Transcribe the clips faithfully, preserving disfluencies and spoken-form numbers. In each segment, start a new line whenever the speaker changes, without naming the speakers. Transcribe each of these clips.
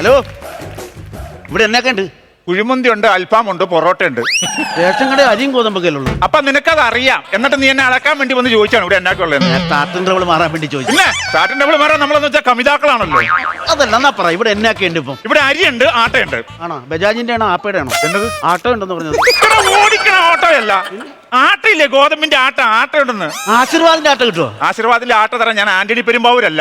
Hello, ഇവിടെ എന്നൊക്കെ ഉണ്ട്?
കുഴിമന്തി ഉണ്ട്, അൽഫാം ഉണ്ട്, പൊറോട്ട ഉണ്ട്.
റേഷൻ കട അരിയും ഗോതമ്പൊക്കെ ഉള്ളൂ.
അപ്പൊ നിനക്കത് അറിയാം, എന്നിട്ട് നീ എന്നെ അളക്കാൻ വേണ്ടി വന്ന് ചോദിച്ചാണ് ഇവിടെ എന്നാക്കുള്ളത്.
സ്റ്റാർട്ടിൻ ട്രബിൾ മാറാൻ വേണ്ടി ചോദിച്ചു.
പിന്നെ സ്റ്റാർട്ടിൻ ട്രബിൾ മാറാൻ നമ്മളെന്ന് വെച്ചാൽ കമിതാക്കളാണല്ലോ.
അതല്ല, എന്നാ പറ, ഇവിടെ എന്നൊക്കെ ഉണ്ട് ഇപ്പം?
ഇവിടെ അരിയുണ്ട്, ആട്ടയുണ്ട്.
ആണോ? ബജാജിന്റെ ആണോ ആപ്പയുടെ ആണോ?
എന്നത്
ആട്ടോ ഉണ്ടെന്ന് പറഞ്ഞത്?
ഓടിക്കണ ഓട്ടോയല്ല, ആട്ടയില്ലേ, ഗോതമ്പിന്റെ ആട്ട. ആട്ട ഉണ്ടെന്ന്.
ആശീർവാദിന്റെ ആട്ട കിട്ടുമോ?
ആശീർവാദിന്റെ ആട്ട തരാം. ഞാൻ ആന്റണി പെരുമ്പാവൂരല്ല.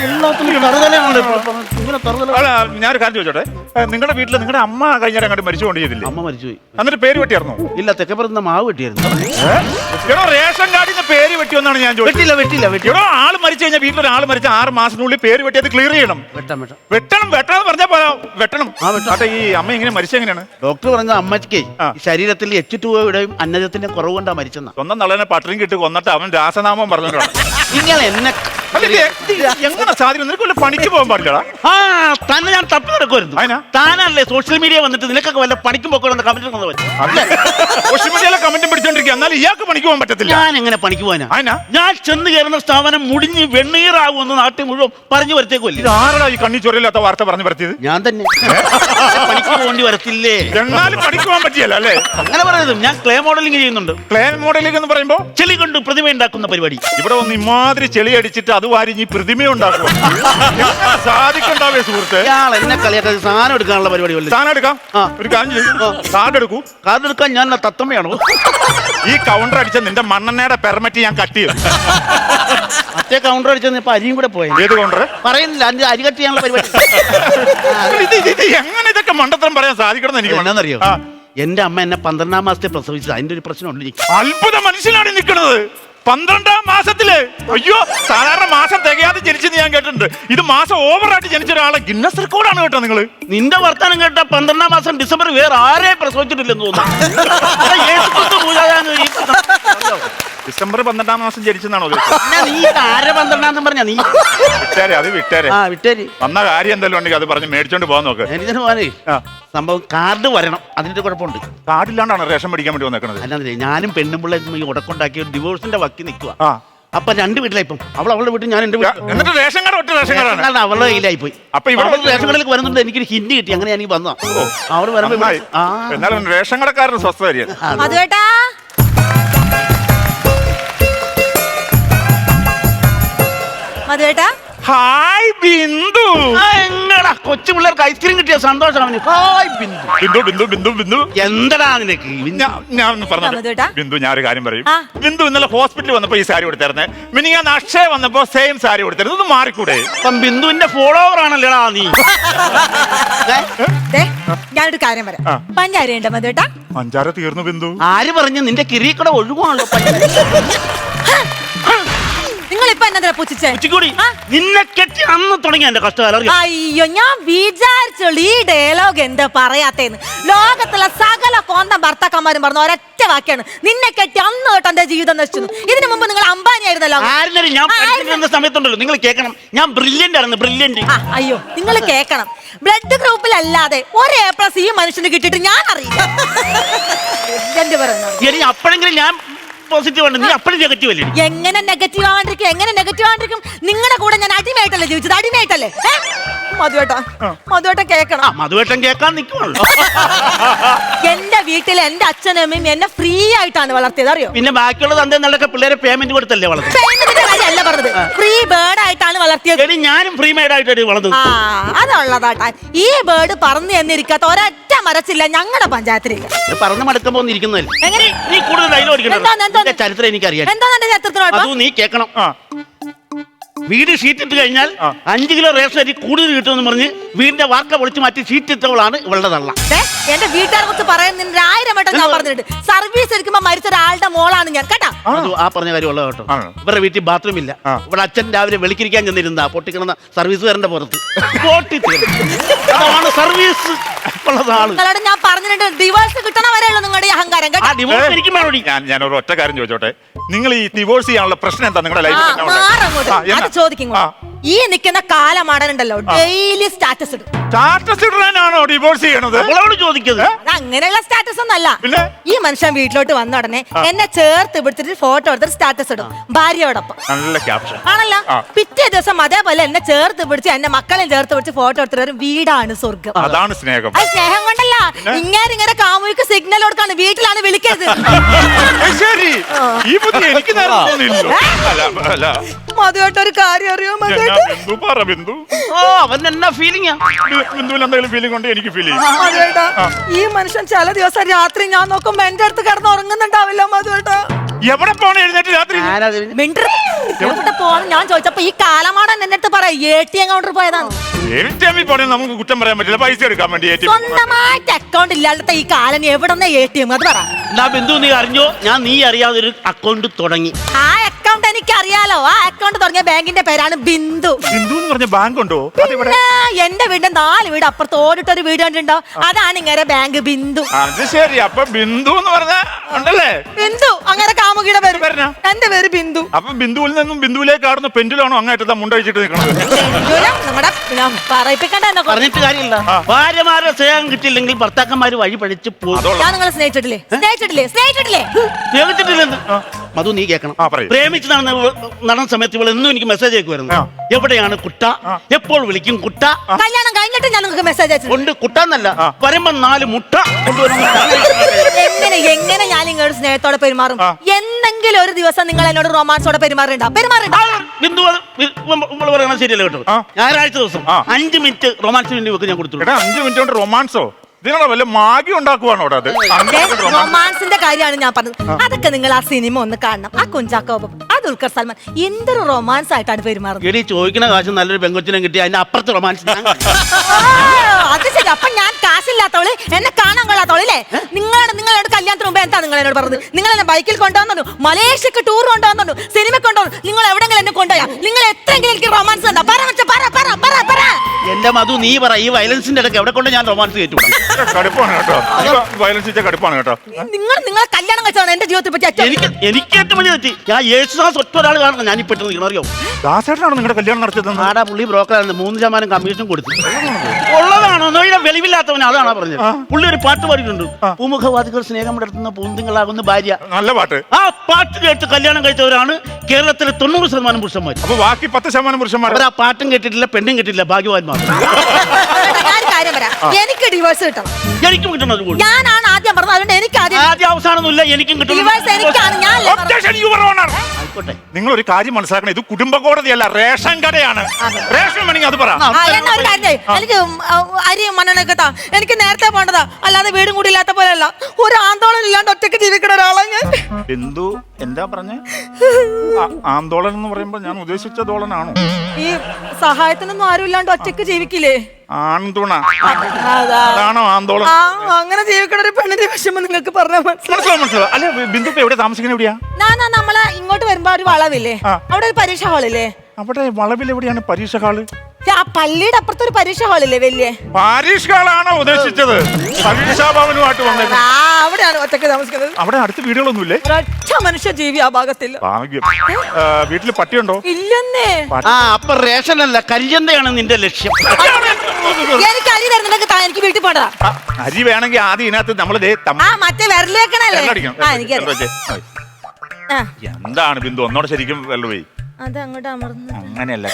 ഞാനൊരു കാര്യം ചോദിച്ചോട്ടെ, നിങ്ങളുടെ വീട്ടിൽ നിങ്ങളുടെ അമ്മ കഴിഞ്ഞാൽ അങ്ങോട്ട് മരിച്ചുകൊണ്ട് ചെയ്തില്ലേ?
അമ്മ മരിച്ചുപോയി.
എന്നിട്ട് പേര് വെട്ടിയായിരുന്നോ?
ഇല്ല, തെക്കപ്പുറത്ത് മാവ് വെട്ടിയായിരുന്നു.
എടോ, റേഷൻ കാർഡിൽ നിന്ന് പേര് വെട്ടിയെന്നാണ് ഞാൻ ചോദിച്ചത്.
വെട്ടില്ല വെട്ടില്ല വെട്ടി.
എടോ, ആള് മരിച്ചു കഴിഞ്ഞാൽ വീട്ടിലൊരാൾ മരിച്ച ആറ് മാസത്തിനുള്ളിൽ പേര് വെട്ടിയത് ക്ലിയർ ചെയ്യണം.
വെട്ടാം വെട്ടാം
വെട്ടണം വെട്ടണം പറഞ്ഞാ പോരാ, വെട്ടണം.
ആ വെട്ടാം.
ആട്ടെ, ഈ അമ്മ ഇങ്ങനെ മരിച്ചെങ്ങനെയാണ്?
ഡോക്ടർ പറഞ്ഞ അമ്മയ്ക്ക് ശരീരത്തിൽ എച്ച് ടു ഒയുടെയും അന്നജത്തിന്റെ കുറവ് കൊണ്ടാ മരിച്ചെന്ന.
സ്വന്തം നള്ളനെ പട്ടണം കിട്ടി കൊന്നിട്ട് അവൻ രാസനാമം പറഞ്ഞിട്ടാണ്.
നിങ്ങൾ എന്നെ
എങ്ങനെ സാധിക്കും? നിനക്ക് വല്ല പണിക്ക് പോകാൻ പാടില്ലടാ.
ആ തന്നെ ഞാൻ തപ്പി നടക്കുമായിരുന്നു.
അതിനാ
താനല്ലേ സോഷ്യൽ മീഡിയ വന്നിട്ട് നിനക്കൊക്കെ വല്ല പണിക്കും പോക്കണമെന്ന് കമന്റ്
സോഷ്യൽ മീഡിയയിലെ കമന്റും പിടിച്ചോണ്ടിരിക്കുക, എന്നാലും ഇയാൾക്ക് പണിക്ക് പോകാൻ പറ്റത്തില്ല.
ഞാൻ എങ്ങനെ പണിക്ക് പോകാനാ?
അതിനാ
ഞാൻ ചെന്ന് കയറുന്ന സ്ഥാപനം മുടിഞ്ഞ് വെണ്ണീറാകുമെന്ന് നാട്ടിൽ മുഴുവൻ പറഞ്ഞു വരത്തേക്കുമല്ലേ.
ഇത് ആരടാ ഈ കണ്ണി ചൊരയില്ലാത്ത വാർത്ത പറഞ്ഞു വരുത്തിയത്?
ഞാൻ തന്നെ. പണിക്ക് പോകേണ്ടി വരത്തില്ലേ?
എന്നാലും പണിക്ക് പോകാൻ പറ്റിയല്ലോ അല്ലേ?
അങ്ങനെ പറയുന്നത്. ഞാൻ ക്ലേ മോഡലിംഗ് ചെയ്യുന്നുണ്ട്.
ക്ലേ മോഡലിംഗ് എന്ന് പറയുമ്പോ
ചെളി കൊണ്ട് പ്രതിമ ഉണ്ടാക്കുന്ന പരിപാടി.
ഇവിടെ വന്ന് ഇമാതിരി ചെളി അടിച്ചിട്ട് അത് വാരിഞ്ഞ് പ്രതിമ ഉണ്ടാക്കും. സാധിക്കണ്ടാവേ സുഹൃത്ത്.
ഇയാൾ എന്നെ കളിയാക്കാൻ സാധനം എടുക്കാനുള്ള പരിപാടി.
സാധനം എടുക്കാം. ഒരു കാര്യം ചെയ്യും, കാർഡ് എടുക്കൂ.
കാർഡ് എടുക്കാൻ ഞാൻ തത്തമ്മയാണോ?
ഈ കൗണ്ടർ അടിച്ച നിന്റെ മണ്ണെണ്ണയുടെ പെർമിറ്റ് ഞാൻ കട്ട് ചെയ്യും.
മറ്റേ കൗണ്ടർ അടിച്ചത് ഇപ്പൊ അരിയും കൂടെ പോയത്.
ഏത് കൗണ്ടർ?
പറയുന്നില്ല, അതിന്റെ അരി കട്ട് ചെയ്യാനുള്ള പരിപാടി.
എങ്ങനെ ഇതൊക്കെ മണ്ടത്തരം പറയാൻ സാധിക്കണം എനിക്ക്
എന്നാന്നറിയോ? എന്റെ അമ്മ എന്നെ പന്ത്രണ്ടാം മാസത്തെ പ്രസവിച്ചത്. അതിന്റെ ഒരു പ്രശ്നമുണ്ട്.
അത്ഭുത മനുഷ്യനാണ് നിൽക്കുന്നത്. പന്ത്രണ്ടാം മാസത്തില്. അയ്യോ, സാധാരണ മാസം തികയാതെ ജനിച്ചെന്ന് ഞാൻ കേട്ടിട്ടുണ്ട്. ഇത് മാസം ഓവറായിട്ട് ജനിച്ച ഒരാളെ ഗിന്നസ് റെക്കോർഡാണ് കേട്ടോ നിങ്ങള്.
നിന്റെ വർത്താനം കേട്ട പന്ത്രണ്ടാം മാസം ഡിസംബർ വേറെ ആരെ പ്രസവിച്ചിട്ടില്ലെന്ന് തോന്നുന്നു.
ഡിസംബർ പന്ത്രണ്ടാം മാസം ജനിച്ചെന്നാണോ?
നീ ആരെ പന്ത്രണ്ടാം പറഞ്ഞ നീ
വിട്ടേരെ, അത് വിട്ടേരെ.
ആ വിട്ടേര്.
വന്ന കാര്യം എന്തെങ്കിലും ഉണ്ടെങ്കിൽ അത് പറഞ്ഞ് മേടിച്ചോണ്ട് പോകാൻ നോക്ക്.
എനിക്ക് പോകാനേ സംഭവം കാർഡ് വരണം. അതിന്റെ കുഴപ്പമുണ്ട്.
കാർഡില്ലാണ്ടാണ് റേഷൻ മേടിക്കാൻ വേണ്ടി വന്നേക്കണത്.
അല്ലാതെ ഞാനും പെണ്ണും പിള്ളേ ഉടക്കുണ്ടാക്കി ഡിവോഴ്സിന്റെ വക്കി നിൽക്കുക.
ആ
അപ്പൊ രണ്ട് വീട്ടിലായി. ഇപ്പം അവൾ അവളുടെ വീട്ടിൽ, ഞാൻ എന്റെ വീട്ടിൽ.
എന്നിട്ട് റേഷൻ കാർഡ് ഒറ്റ റേഷൻ കാർഡാണ്
അവളുടെ കയ്യിലായി പോയി.
അപ്പൊ ഇവിടെ
റേഷൻ കടയിലേക്ക് വരുന്നുണ്ട്. എനിക്കൊരു ഹിന്റ് കിട്ടി. അങ്ങനെ ഞാൻ വന്നോ അവിടെ വരുമ്പോ
എന്നാലും റേഷൻ കടക്കാരന് സ്വസ്ഥമായിരിക്കും.
മധുവേട്ടാ, മധുവേട്ടാ.
ഹായ് ബിന്ദു.
എങ്ങടാ കൊച്ചു പിള്ളേർക്ക് ഐസ്ക്രീം കിട്ടിയ സന്തോഷം അവന്. ഹായ് ബിന്ദു.
ബിന്ദു ബിന്ദു ബിന്ദു ബിന്ദു
എന്തടാ നിനക്ക്?
ഞാൻ പറഞ്ഞു ബിന്ദു, ഞാനൊരു കാര്യം പറയും. ബിന്ദു ഇന്നലെ ഹോസ്പിറ്റലിൽ വന്നപ്പോ ഈ സാരി കൊടുത്തായിരുന്നേ. മിനി ഞാൻ അക്ഷയ വന്നപ്പോ സെയിം സാരി കൊടുത്തായിരുന്നു. ഇത് മാറിക്കൂടെ?
ഇപ്പം ബിന്ദുവിന്റെ ഫോളോവർ ആണല്ലേടാ നീ.
ഞാനൊരു കാര്യം പറയാം. പഞ്ചാര ഉണ്ടോ മധുവേട്ടാ?
പഞ്ചാര തീർന്നു ബിന്ദു.
ആര് പറഞ്ഞു? നിന്റെ കിരീക്കട ഒഴുകുവാണല്ലോ.
നിങ്ങളിപ്പോ എന്നാ പൂച്ചിച്ചേ?
നിന്നെ കെട്ടി അന്ന് തുടങ്ങിയ എന്റെ കഷ്ടകാലം.
അയ്യോ, ഞാൻ വിചാരിച്ചുള്ളൂ ഈ ഡയലോഗ് എന്താ പറയാത്തേന്ന്. ലോകത്തുള്ള സകല കോന്തം ഭർത്താക്കന്മാരും പറഞ്ഞ ഒരൊറ്റ വാക്കാണ്, നിന്നെ കെട്ടി അന്ന് തൊട്ട് എന്റെ ജീവിതം നശിച്ചു. ഇതിനു മുമ്പ് നിങ്ങൾ അംബാനി ആയിരുന്നല്ലോ.
ഞാൻ സമയത്തുണ്ടല്ലോ, നിങ്ങൾ കേൾക്കണം. ഞാൻ ബ്രില്യന്റ് ആയിരുന്നു, ബ്രില്യന്റ്.
അയ്യോ, നിങ്ങൾ കേൾക്കണം. ബ്ലഡ് ഗ്രൂപ്പിലല്ലാതെ ഒരു എ പ്ലസ് ഈ മനുഷ്യന് കിട്ടിയിട്ട് ഞാൻ അറിയില്ല.
അപ്പോഴെങ്കിലും ഞാൻ പോസിറ്റീവ് ആണ്. നീ അപ്പോഴും നെഗറ്റീവ് അല്ലേ?
എങ്ങനെ നെഗറ്റീവ് ആവാണ്ടിരിക്കും? എങ്ങനെ നെഗറ്റീവ് ആവാണ്ടിരിക്കും? നിങ്ങളുടെ കൂടെ ഞാൻ അടിമയായിട്ടല്ലേ ജീവിച്ചത്? അടിമയായിട്ടല്ലേ? മധുവേട്ടാ, മധുവേട്ട കേക്കണം.
മധുവേട്ടൻ കേൾക്കാൻ നിൽക്കുവാണല്ലോ.
എന്റെ വീട്ടിൽ എന്റെ അച്ഛനും അമ്മയും എന്നെ ഫ്രീ ആയിട്ടാണ് വളർത്തിയത്, അറിയോ?
പിന്നെ ബാക്കിയുള്ള തന്തേന്നൊക്കെ പിള്ളേരെ പേയ്മെന്റ് കൊടുത്തല്ലേ വളർത്തുന്നത്?
പേയ്മെന്റിന്റെ കാര്യമല്ല പറഞ്ഞത്, ഫ്രീ ബേർഡ് ആയിട്ടാണ് വളർത്തിയത്.
ഞാനും ഫ്രീ മെയ്ഡ് ആയിട്ടാണ് വളർന്നത്.
ആ, അതുള്ളതാട്ടാ. ഈ ബേർഡ് പറന്നു എന്നിരിക്കാത്ത ഒരൊറ്റ മരച്ചില്ല ഞങ്ങളുടെ പഞ്ചായത്തിലേക്ക്.
പറന്ന് മടക്കുമ്പോ ഇരിക്കുന്നതല്ലേ?
എങ്ങനെ?
നീ കൂടുതൽ ഡയലോഗ് ചരിത്രം എനിക്കറിയാം.
എന്താ എന്റെ ചരിത്രത്തിനോട്?
അതും നീ കേൾക്കണം. വീട് ഷീറ്റ് ഇട്ട് കഴിഞ്ഞാൽ അഞ്ചു കിലോ റേഷൻ അരി കൂടുതൽ കിട്ടുമെന്ന് പറഞ്ഞ് വീടിന്റെ വാർക്ക പൊളിച്ചു മാറ്റി ഷീറ്റ് ഇട്ടവളാണ് ഇവളുടെ തള്ള.
എന്റെ വീട്ടുകാരെ കുറിച്ച് പറയുന്നതിന് ആയിരം വട്ടം ഞാൻ പറഞ്ഞിട്ടുണ്ട്. സർവീസ് എടുക്കുമ്പോ മരിച്ച ഒരാളുടെ മോളാണ് ഞാൻ, കേട്ടാ.
ആ പറഞ്ഞ കാര്യം ഉള്ളത് കേട്ടോ. ഇവരുടെ വീട്ടിൽ ബാത്റൂം ഇല്ല. ഇവിടെ അച്ഛൻ രാവിലെ വെളിക്കിരിക്കാൻ ചെന്നിരുന്ന പൊട്ടിക്കിടന്ന സർവീസുകാരന്റെ പുറത്ത് പൊട്ടി അതാണ് സർവീസ് ഉള്ളതാണ്.
നിങ്ങളോട് ഞാൻ പറഞ്ഞിട്ടുണ്ട്, ഡിവോഴ്സ് കിട്ടണ വരെയുള്ള നിങ്ങളുടെ അഹങ്കാരം, കേട്ടോ.
ഞാൻ ഒരു ഒറ്റ കാര്യം ചോദിച്ചോട്ടെ, നിങ്ങൾ ഈ ഡിവോഴ്സ് ചെയ്യാനുള്ള പ്രശ്നം എന്താ നിങ്ങളുടെ ലൈഫിൽ?
ചോദിക്കും. ഈ നിൽക്കുന്ന കാലമാടനുണ്ടല്ലോ ഡെയിലി സ്റ്റാറ്റസ് ഇടും.
സ്റ്റാറ്റസ് ഇടാനാണോ ഡിവോഴ്സ് ചെയ്യണത്?
അവളോട് ചോദിക്കുന്നത്
അത് അങ്ങനെയുള്ള സ്റ്റാറ്റസ് ഒന്നല്ല.
പിന്നെ?
ഈ മനുഷ്യൻ വീട്ടിലോട്ട് വന്ന ഉടനെ എന്നെ ചേർത്ത് പിടിച്ചിട്ട് ഫോട്ടോ എടുത്തിട്ട് സ്റ്റാറ്റസ് ഇടും ഭാര്യയോടൊപ്പം.
നല്ല ക്യാപ്ഷൻ
ആണല്ലോ. പിറ്റേ ദിവസം അതേപോലെ എന്നെ ചേർത്ത് പിടിച്ച് എന്റെ മക്കളെയും ചേർത്ത് പിടിച്ച് ഫോട്ടോ എടുത്തിട്ട് വരും വീടാണ് സ്വർഗം.
അതാണ് സ്നേഹം.
അത് സ്നേഹം കൊണ്ടല്ല, ഇങ്ങനെ ഇങ്ങനെ കാമുകിക്ക് സിഗ്നൽ കൊടുക്കാണ് വീട്ടിലാണ് വിളിക്കരുത്.
ശരി, ഈ ബുദ്ധി എനിക്ക് നേരം തോന്നിയില്ലല്ലോ. അല്ല, അല്ല.
മധുവായിട്ട് ഒരു കാര്യം അറിയോ
ഞാൻ
മധുവായിട്ട്?
ബിന്ദു പറ ബിന്ദു.
ഓ അവൻ എന്നാ ഫീലിംഗാ?
ബി- ബിന്ദുവിന് എന്തെങ്കിലും ഫീലിംഗ് കൊണ്ട് എനിക്ക് ഫീൽ ചെയ്യും.
മധുവേട്ടാ, ഈ മനുഷ്യൻ ചില ദിവസം രാത്രി ഞാൻ നോക്കുമ്പോ എന്റെ അടുത്ത് കിടന്ന് ഉറങ്ങുന്നുണ്ടാവില്ല മധുവേട്ടാ.
എവിടെ പോണ എഴുന്നേറ്റ് രാത്രി?
മിണ്ടർ എവിടെ പോവാന്ന് ഞാൻ ചോദിച്ചപ്പോ ഈ കാലമാടൻ എന്റെ അടുത്ത് പറയാം എ ടി എം കൗണ്ടർ പോയതാണ്.
എ ടി എമ്മിൽ പോണേ നമുക്ക് കുറ്റം പറയാൻ പറ്റില്ല. പൈസ എടുക്കാൻ വേണ്ടി എ ടി എം.
സ്വന്തമായിട്ട് അക്കൗണ്ട് ഇല്ലാത്ത ഈ കാലം എവിടെ എ ടി എം അത് പറ.
എന്നാ ബിന്ദു നീ അറിഞ്ഞോ, ഞാൻ നീ അറിയാതെ ഒരു അക്കൗണ്ട് തുടങ്ങി.
ആ അക്കൗണ്ട് എനിക്ക് അറിയാലോ. ആ അക്കൗണ്ട് തുടങ്ങിയ ബാങ്കിന്റെ പേരാണ് ബിന്ദു.
ബിന്ദു എന്ന് പറഞ്ഞ ബാങ്ക് ഉണ്ടോ? അതിവിടെ
പിന്നെ എന്റെ വീടിന്റെ നാല് വീട് അപ്പുറത്ത് ഓടിട്ടൊരു വീട് കണ്ടിട്ടുണ്ടോ? അതാണ് ഇങ്ങനെ ബാങ്ക് ബിന്ദു.
അത് ശരി. അപ്പൊ ബിന്ദു എന്ന് പറഞ്ഞ ഉണ്ടല്ലേ?
ബിന്ദു അങ്ങനെ കാമുകിയുടെ പേര്.
പേരെന്നാ?
എന്റെ പേര് ബിന്ദു.
അപ്പൊ ബിന്ദുവിൽ നിന്നും ബിന്ദുവിലേക്ക് ആടുന്ന പെൻഡിലാണോ അങ്ങായിട്ട് മുണ്ടഴിച്ചിട്ട് നിൽക്കുന്നത്?
ബിന്ദുവിനെ നമ്മുടെ ഞാൻ പറയിപ്പിക്കണ്ട എന്നെ കൊണ്ട്.
പറഞ്ഞിട്ട് കാര്യമില്ല. ഭാര്യമാരെ സ്നേഹം കിട്ടിയില്ലെങ്കിൽ ഭർത്താക്കന്മാര് വഴി പഠിച്ച് പോകും.
അതോളം.
ഞാൻ നിങ്ങളെ സ്നേഹിച്ചിട്ടില്ലേ? സ്നേഹിച്ചിട്ടില്ലേ? സ്നേഹിച്ചിട്ടില്ലേ?
സ്നേഹിച്ചിട്ടില്ലെന്ന് മധു നീ കേൾക്കണം.
ആ, പറയൂ.
പ്രേമിച്ച് നടന്ന നടന്ന സമയത്ത് ഇവൾ എന്നും എനിക്ക് മെസ്സേജ് അയക്കുമായിരുന്നു.
ആ.
എവിടെയാണ് കുട്ട, എപ്പോൾ വിളിക്കും കുട്ട.
കല്യാണം കഴിഞ്ഞിട്ട് ഞാൻ നിങ്ങൾക്ക് മെസ്സേജ് അയച്ചു.
കൊണ്ട് കുട്ടാന്നല്ല
ആ.
വരുമ്പോ നാല് മുട്ട കൊണ്ടുവരുന്ന
എങ്ങനെ എങ്ങനെ ഞാൻ നിങ്ങളുടെ സ്നേഹത്തോടെ പെരുമാറും?
ആ.
എന്തെങ്കിലും ഒരു ദിവസം നിങ്ങൾ എന്നോട് റൊമാൻസോടെ പെരുമാറുണ്ടോ? പെരുമാറുണ്ടോ?
ബിന്ദു നമ്മൾ പറയണത് ശരിയല്ല കേട്ടോ.
ആ.
ഞായറാഴ്ച ദിവസം
ആ.
അഞ്ച് മിനിറ്റ് റൊമാൻസിന് വേണ്ടി വെക്ക് ഞാൻ കൊടുത്തു.
എടാ, അഞ്ചു മിനിറ്റ് കൊണ്ട് റൊമാൻസോ? ഇതിനുള്ള വല്ല മാഗി ഉണ്ടാക്കുവാണോ അവിടെ? അത് അഞ്ച് മിനിറ്റ് romance.
റൊമാൻസിന്റെ കാര്യമാണ് ഞാൻ പറഞ്ഞത്. അതൊക്കെ നിങ്ങൾ ആ സിനിമ ഒന്ന് കാണണം. ആ കുഞ്ചാക്കോബം, ആ ദുൽഖർ സൽമാൻ എന്തൊരു റൊമാൻസ് ആയിട്ടാണ് പെരുമാറുന്നത്.
എടി ചോദിക്കുന്ന കാശ് നല്ലൊരു പെങ്കൊച്ചിനെ കിട്ടി അതിന്റെ അപ്പുറത്ത് റൊമാൻസ്
ആ, അത് ശരി. അപ്പൊ ഞാൻ കാശില്ലാത്തവള്, എന്നെ കാണാൻ കൊള്ളാത്തവളല്ലേ? നിങ്ങളാണ് നിങ്ങളോട് കല്യാണത്തിന് മുമ്പ് എന്താ നിങ്ങൾ എന്നോട് പറഞ്ഞത്? നിങ്ങൾ എന്നെ ബൈക്കിൽ കൊണ്ടുവന്നു, മലേഷ്യക്ക് ടൂർ കൊണ്ടുവന്നു, സിനിമ കൊണ്ടുവന്നു. നിങ്ങൾ എവിടെങ്കിലും എന്നെ കൊണ്ടുപോയാ? നിങ്ങൾ എത്രയെങ്കിലും എനിക്ക് റൊമാൻസ് ഉണ്ടോ? പറ വെച്ച പറ പറ പറ പറ.
എന്റെ മധു നീ പറ, ഈ വയലൻസിന്റെ ഇടയ്ക്ക് എവിടെ കൊണ്ട് ഞാൻ റൊമാൻസ് കയറ്റുവിടാം?
കടുപ്പാണ് കേട്ടോ. വയലൻസ് വെച്ചാൽ കടുപ്പാണ് കേട്ടോ.
നിങ്ങൾ നിങ്ങളെ കല്യാണം കഴിച്ചതാണ് എന്റെ ജീവിതത്തെ പറ്റി ഏറ്റവും
എനിക്ക് എനിക്ക് ഏറ്റവും വലിയ തെറ്റി ഞാൻ യേശുദാസ് ഒറ്റ ഒരാൾ കാണണം ഞാൻ ഇപ്പൊ നിൽക്കണം. അറിയോ
ദാസേട്ടനാണ് നിങ്ങളുടെ കല്യാണം നടത്തിയത്?
ആടാ പുള്ളി ബ്രോക്കറായിരുന്നു, മൂന്ന് ശതമാനം കമ്മീഷൻ കൊടുത്തു. ഉള്ളതാണോ നോയിടെ വെളിവില്ലാത്തവൻ അതാണോ പറഞ്ഞത്. പുള്ളി ഒരു പാട്ട് പാടിയിട്ടുണ്ട്, പൂമുഖവാദികൾ സ്നേഹം നടത്തുന്ന പൂന്തിങ്ങളാകുന്ന ഭാര്യ.
നല്ല പാട്ട്.
ആ പാട്ട് കേട്ട് കല്യാണം കഴിച്ചവരാണ് കേരളത്തിലെ തൊണ്ണൂറ് ശതമാനം പുരുഷന്മാർ.
അപ്പൊ ബാക്കി പത്ത് ശതമാനം പുരുഷന്മാർ
അവർ ആ പാട്ടും കേട്ടിട്ടില്ല, പെണ്ണും കേട്ടിട്ടില്ല, ഭാഗ്യവാന്മാർ.
ഞാൻ ഒരു കാര്യം പറയാം. എനിക്ക് ഡിവോഴ്സ് കിട്ടണം.
എനിക്കും കിട്ടണത് കൂടി.
ഞാനാണ് ആദ്യം പറഞ്ഞത്, അതുകൊണ്ട് എനിക്ക് ആദ്യം
ആദ്യ അവസാനമൊന്നുമില്ല, എനിക്കും കിട്ടണം.
ഡിവോഴ്സ് എനിക്കാണ്. ഞാൻ
Objection, Your Honor.
ആയിക്കോട്ടെ.
നിങ്ങൾ ഒരു കാര്യം മനസ്സിലാക്കണം, ഇത് കുടുംബ കോടതിയല്ല, റേഷൻ കടയാണ്. റേഷൻ വേണമെങ്കിൽ അത് പറ.
ആ, എന്നാ ഒരു കാര്യം ചെയ്യ്. എനിക്ക് ഉം, ആ, അരിയും മണ്ണെണ്ണയൊക്കെ താ. എനിക്ക് നേരത്തെ പോണ്ടതാ, അല്ലാതെ വീടും കൂടി ഇല്ലാത്ത പോലെയല്ല. ഒരു ആന്തോളം ഇല്ലാണ്ട് ഒറ്റയ്ക്ക് ജീവിക്കണ ഒരാളാണ് ഞാൻ.
ബിന്ദു എന്താ പറഞ്ഞേ? ആന്തോളൻ എന്ന് പറയുമ്പോ ഞാൻ ഉദ്ദേശിച്ച ദോളനാണോ?
ഈ സഹായത്തിനൊന്നും ആരും ഇല്ലാണ്ട് ഒറ്റയ്ക്ക് ജീവിക്കില്ലേ?
ആൺതുണ
അതാ.
അതാണോ ആന്തോളൻ?
ആ, അങ്ങനെ ജീവിക്കണ ഒരു പെണ്ണിന്റെ വിഷമം നിങ്ങൾക്ക് പറഞ്ഞാൽ മനസ്സിലാവും.
മനസ്സിലാവും മനസ്സിലാവും. അല്ലെ ബിന്ദു ഇപ്പൊ എവിടെ താമസിക്കുന്നത്? എവിടെയാ?
ഞാനാ നമ്മളെ ഇങ്ങോട്ട് വരുമ്പോ ഒരു വളവില്ലേ,
ആ.
അവിടെ ഒരു പരീക്ഷ ഹാളില്ലേ?
അവിടെ വളവിൽ എവിടെയാണ് പരീക്ഷ ഹാള്?
ആ പള്ളിയുടെ അപ്പുറത്ത് ഒരു പരീക്ഷ ഹാളില്ലേ വലിയ?
പരീക്ഷ ഹാളാണോ ഉദ്ദേശിച്ചത്? പരീക്ഷാ ഭവനുമായിട്ട് വന്നേക്കുന്നത്.
ആ, അവിടെയാണ് ഒറ്റയ്ക്ക് താമസിക്കുന്നത്.
അവിടെ അടുത്ത് വീടുകളൊന്നുമില്ലേ?
ഒരൊറ്റ മനുഷ്യ ജീവി ആ ഭാഗത്തില്ല.
ഭാഗ്യം. ആ, വീട്ടില് പട്ടിയുണ്ടോ?
ഇല്ലെന്നേ.
ആ അപ്പൊ റേഷനല്ല കരിഞ്ചന്തയാണ് നിന്റെ ലക്ഷ്യം.
എനിക്ക് അരി തരുന്നുണ്ടെങ്കിൽ താ, എനിക്ക് വീട്ടിൽ പോണ്ടതാ.
ആ, അരി വേണമെങ്കിൽ ആദ്യം ഇതിനകത്ത് നമ്മള് ദേ തമ്മ-
ആ മറ്റേ വിരലേക്കണല്ലേ?
വെള്ളമടിക്കണം.
ആ എനിക്കറിയാം.
വെള്ളമടിച്ച്.
ആ,
എന്താണ് ബിന്ദു ഒന്നോടെ ശരിക്കും വെള്ളമേ?
അത് അങ്ങോട്ട് അമർന്നു.
അങ്ങനെയല്ല.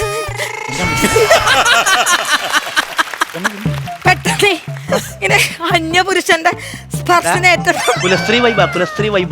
പെട്ടെന്ന് ഇങ്ങനെ അന്യപുരുഷന്റെ സ്പർശനേറ്റ
കുലസ്ത്രീ വൈബ് കുലസ്ത്രീ വൈബ്.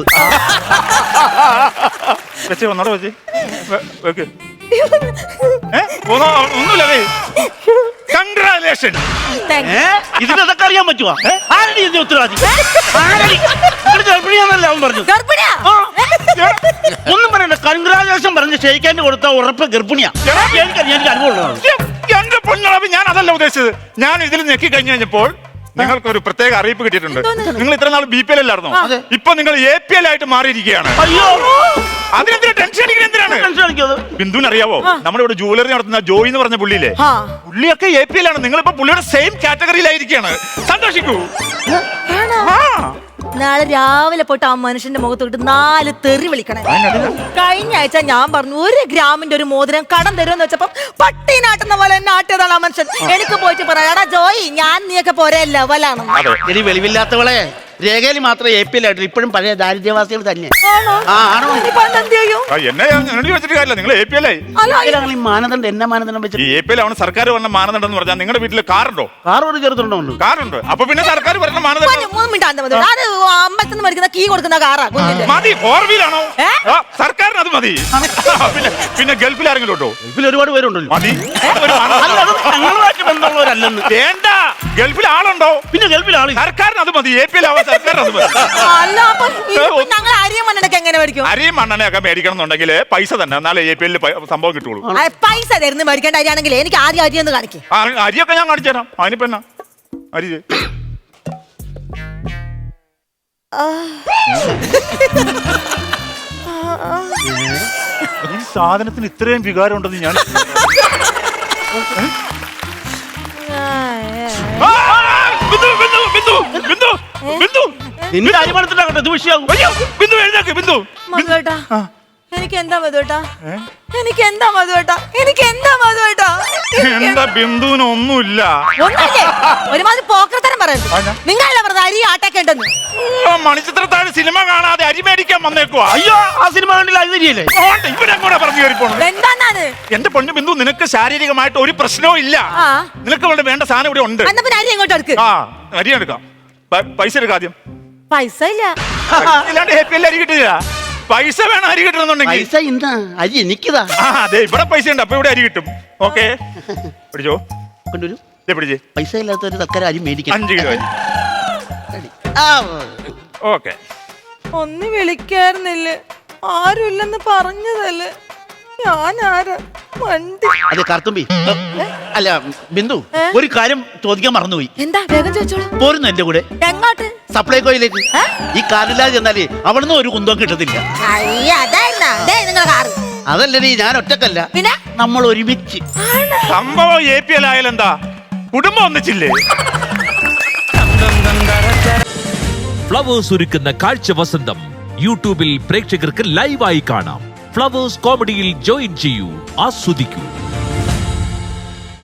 വെച്ച് ഒന്നോടെ വെച്ച് വെക്ക്. ഏ? ഒന്നോ- ഒന്നുമില്ലതേ. കൺഗ്രാലേഷൻ.
ഏ ഇതിനൊക്കെ അറിയാൻ പറ്റുവാ? ആരടി ഇതിന്റെ ഉത്തരവാദി? ആരടി? ഇവിടെ ഗർഭിണിയാന്നല്ലേ അവൻ പറഞ്ഞു.
ഗർഭിണിയാ?
ആ. ഒന്നും പറയണ്ട, കൺഗ്രാജുലേഷൻ പറഞ്ഞ് ഷെയ്ക്കാൻ്റെ കൊടുത്ത ഉറപ്പ് ഗർഭിണിയാ. എനിക്കറിയാം, എനിക്ക് അനുഭവമുള്ളതാണ്.
എന്റെ പൊന്നളവ് ഞാൻ അതല്ല ഉദ്ദേശിച്ചത്. ഞാൻ ഇതിൽ ഞെക്കി കഴിഞ്ഞു കഴിഞ്ഞപ്പോൾ നിങ്ങൾക്ക് ഒരു പ്രത്യേക അറിയിപ്പ് കിട്ടിയിട്ടുണ്ട്. നിങ്ങൾ ഇത്ര നാൾ ബി പി എൽ അല്ലായിരുന്നോ? ഇപ്പൊ നിങ്ങൾ എ പി എൽ ആയിട്ട് മാറിയിരിക്കുകയാണ്.
അയ്യോ
അതിനെന്തിനാ ടെൻഷൻ അടിക്കുന്നത്? എന്തിനാണ്?
ടെൻഷൻ അടിക്കാതെ.
ബിന്ദുവിന് അറിയാവോ, നമ്മുടെ ഇവിടെ ജുവലറി നടത്തുന്ന ജോയി എന്ന് പറഞ്ഞ പുള്ളിയില്ലേ,
ആ.
പുള്ളിയൊക്കെ എ പി എൽ ആണ്. നിങ്ങളിപ്പോ പുള്ളിയുടെ സെയിം കാറ്റഗറിയിലായിരിക്കുകയാണ്. സന്തോഷിക്കൂ. ആ
നാളെ രാവിലെ പോയിട്ട് ആ മനുഷ്യന്റെ മുഖത്തോട്ട് നാല് തെറി വിളിക്കണേ. കഴിഞ്ഞ ആഴ്ച ഞാൻ പറഞ്ഞു ഒരു ഗ്രാമിന്റെ ഒരു മോതിരം കടം തരുമെന്ന് വെച്ചപ്പോ പട്ടി നാട്ടുന്ന പോലെ എന്നെ ആട്ടിയതാണ് ആ മനുഷ്യൻ. എനിക്ക് പോയിട്ട് പറയാടാ ജോയി, ഞാൻ നീയൊക്കെ പോരെ ലെവലാണ്.
ഇനി വെളിവില്ലാത്തവളെ രേഖയിൽ മാത്രമേ എ പി എല്ലായിട്ടും ഇപ്പോഴും പഴയ ദാരിദ്ര്യവാസികൾ തന്നെ. ആ ആണോ?
എന്നെ എന്നോട് ചോദിച്ചിട്ട് കാര്യമില്ല, നിങ്ങൾ എ പി എൽ ആയി.
ഈ മാനദണ്ഡം എന്നെ മാനദണ്ഡം വെച്ചിട്ട്
ഈ എ പി എൽ ആണ് സർക്കാർ പറഞ്ഞ മാനദണ്ഡം എന്ന് പറഞ്ഞാൽ നിങ്ങളുടെ വീട്ടിൽ കാറുണ്ടോ?
കാർ ഒരു ചെറുതുണ്ടോ?
കാറുണ്ട്. അപ്പൊ പിന്നെ സർക്കാർ പറഞ്ഞ മാനദണ്ഡം
അമ്പലത്തിൽ മേടിക്കുന്ന കീ കൊടുക്കുന്ന കാറാ.
മതി. ഫോർ വീലാണോ? സർക്കാരിന് അത് മതി. പിന്നെ പിന്നെ ഗൾഫിൽ ആരെങ്കിലും ഉണ്ടോ?
ഗൾഫിൽ ഒരുപാട് പേരുണ്ടല്ലോ.
മതി.
ഞങ്ങളുമായിട്ട് ബന്ധമുള്ളവരല്ലെന്ന്.
വേണ്ട. ഗൾഫിൽ ആളുണ്ടോ?
പിന്നെ ഗൾഫിൽ ആള്.
സർക്കാരിന് അത് മതി. എ പി എൽ ആവാൻ സർക്കാരിന് അത് മതി.
അല്ല അപ്പൊ ഞങ്ങൾ അരിയും മണ്ണെണ്ണൊക്കെ എങ്ങനെ മേടിക്കും?
അരിയും മണ്ണെണ്ണയൊക്കെ മേടിക്കണം എന്നുണ്ടെങ്കിൽ പൈസ തന്നെ, എന്നാലേ എ പി എല്ലിൽ സംഭവം കിട്ടുള്ളൂ.
പൈസ തരുന്ന മേടിക്കേണ്ട അരിയാണെങ്കിൽ എനിക്ക് ആദ്യം അരി ഒന്ന് കാണിക്കും.
അരിയൊക്കെ ഞാൻ കാണിച്ചു തരാം. അതിനിപ്പോ എന്നാ അരി ഈ സാധനത്തിന് ഇത്രയും വികാരം ഉണ്ടെന്ന് ഞാൻ
നിന്റെ അരിമണത്തിലാകട്ടെ ഇത് വിഷയാകും.
ബിന്ദു എഴുന്നേക്ക്. ബിന്ദു
മധുവേട്ടാ, എനിക്ക് എന്താ മധുവേട്ടാ? എനിക്ക് എന്താ മധുവേട്ടാ? എനിക്ക് എന്താ മധുവേട്ടാ?
എന്താ ബിന്ദുവിന് ഒന്നുമില്ല.
ഒന്നുമില്ലേ? ഒരുമാതിരി പോക്കർത്തരം പറയുന്നത്. നിങ്ങളല്ല പറഞ്ഞത് അരി ആട്ടൊക്കെ ഉണ്ടെന്ന്.
മണിച്ചിത്രത്താഴ് സിനിമ കാണാതെ അരി മേടിക്കാൻ വന്നേക്കുവാ.
അയ്യോ, ആ സിനിമ കണ്ടില്ല. അത് ശരിയല്ലേ?
ഇവരെങ്ങോട്ടാ പറഞ്ഞു കയറി പോണത്?
എന്താന്നാണ്?
എന്റെ പൊന്നു ബിന്ദു, നിനക്ക് ശാരീരികമായിട്ട് ഒരു പ്രശ്നവും ഇല്ല. നിനക്ക് ഇവിടെ വേണ്ട സാധനം ഇവിടെ ഉണ്ട്.
എന്നാ പിന്നെ അരി എങ്ങോട്ട് എടുക്ക്?
ആ അരി എടുക്കാം. പൈസ എടുക്കാം ആദ്യം.
പൈസ ഇല്ല.
ഇല്ലാണ്ട് ഹാപ്പി എല്ലാം അരി കിട്ടില്ല. പൈസ വേണം അരി കിട്ടണമെന്നുണ്ടെങ്കിൽ.
പൈസ ഇന്നാ അരി എനിക്കതാ.
ആ അതെ, ഇവിടെ പൈസ ഉണ്ട്. അപ്പൊ ഇവിടെ അരി കിട്ടും. ഓക്കെ, പിടിച്ചോ.
കൊണ്ടുവരൂ.
പിടിച്ചേ.
പൈസ ഇല്ലാത്തൊരു തക്കര അരി മേടിക്കാം.
അഞ്ച് കിലോ അരി. ഓക്കെ.
ഒന്ന് വിളിക്കായിരുന്നില്ലേ? ആരുമില്ലെന്ന് പറഞ്ഞതല്ലേ? ഞാൻ ആരാ? വണ്ടി.
അതെ കർത്തുമ്പി. അല്ല ബിന്ദു, ഒരു കാര്യം ചോദിക്കാൻ മറന്നുപോയി.
എന്താ? വേഗം ചോദിച്ചോളൂ.
പോരുന്നു എന്റെ കൂടെ.
എങ്ങോട്ട്?
സപ്ലൈകോയിലേക്ക്. ഈ കാറില്ലാതെ ചെന്നാലേ അവിടുന്ന് ഒരു കുന്തവും കിട്ടത്തില്ല. അതല്ലേ, ഞാൻ ഒറ്റക്കല്ല,
പിന്നെ
നമ്മൾ ഒരുമിച്ച്.
സംഭവം എ പി എൽ ആയാലെന്താ, കുടുംബം ഒന്നിച്ചില്ലേ?
ഫ്ലവേഴ്സ് ഒരുക്കുന്ന കാഴ്ച വസന്തം യൂട്യൂബിൽ പ്രേക്ഷകർക്ക് ലൈവായി കാണാം. ഫ്ലവേഴ്സ് കോമഡിയിൽ ജോയിൻ ചെയ്യൂ, ആസ്വദിക്കൂ.